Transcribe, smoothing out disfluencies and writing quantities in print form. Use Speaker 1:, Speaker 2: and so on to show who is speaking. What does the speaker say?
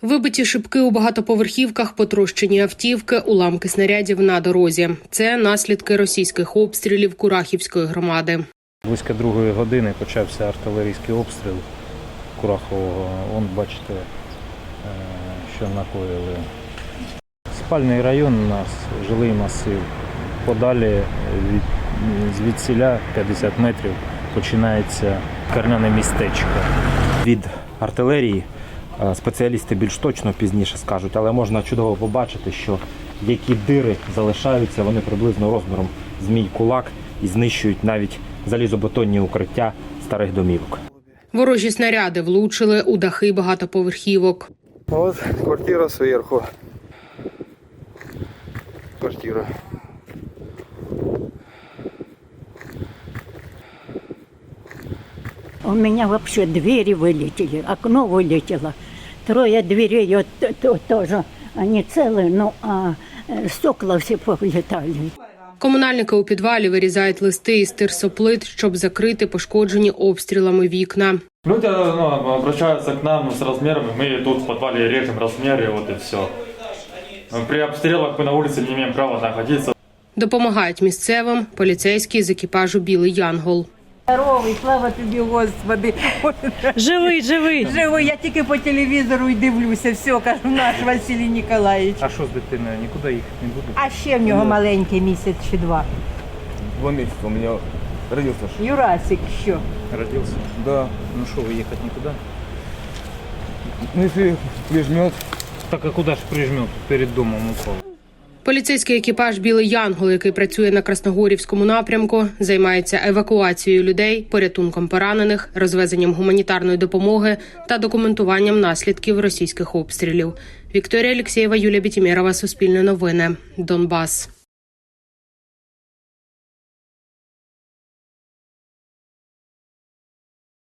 Speaker 1: Вибиті шибки у багатоповерхівках, потрощені автівки, уламки снарядів на дорозі. Це наслідки російських обстрілів Курахівської громади.
Speaker 2: Близько 2-ї години почався артилерійський обстріл Курахового. Вон, бачите, що накоїли. Спальний район у нас, жилий масив. Подалі звідсіля 50 метрів починається карняне містечко.
Speaker 3: Від артилерії спеціалісти більш точно пізніше скажуть, але можна чудово побачити, що які дири залишаються, вони приблизно розміром з мій кулак і знищують навіть залізобетонні укриття старих домівок.
Speaker 1: Ворожі снаряди влучили у дахи багатоповерхівок.
Speaker 4: Ось квартира зверху. Квартира.
Speaker 5: У меня вообще двери вылетели, окно вылетело. 3 дверей тоже, они целые, но стекла все повылетали.
Speaker 1: Комунальники у підвалі вирізають листи із тирсоплит, щоб закрити пошкоджені обстрілами вікна.
Speaker 6: Люди обращаются к нам с размерами, мы тут в подвале режем размеры, вот и все. При обстрелах мы на улице не имеем права находиться.
Speaker 1: Допомагають місцевим поліцейські з екіпажу «Білий Янгол».
Speaker 7: Здоровий, слава тобі, Господи.
Speaker 8: Живий.
Speaker 7: Живий, я тільки по телевізору й дивлюся, все, кажу, наш Василій Ніколаївич.
Speaker 2: А що з дитиною? Нікуди їхати не буду?
Speaker 7: А ще в нього маленький місяць чи 2.
Speaker 4: 2 месяца у меня родился.
Speaker 7: Юрасик, що?
Speaker 2: Родився?
Speaker 4: Да.
Speaker 2: Ну що, ви їхати нікуди?
Speaker 4: Ну если прижмет.
Speaker 2: Так а куди ж прижмет? Перед домом упав.
Speaker 1: Поліцейський екіпаж «Білий Янгол», який працює на Красногорівському напрямку, займається евакуацією людей, порятунком поранених, розвезенням гуманітарної допомоги та документуванням наслідків російських обстрілів. Вікторія Алексєєва, Юлія Бітімєрова, Суспільне новини, Донбас.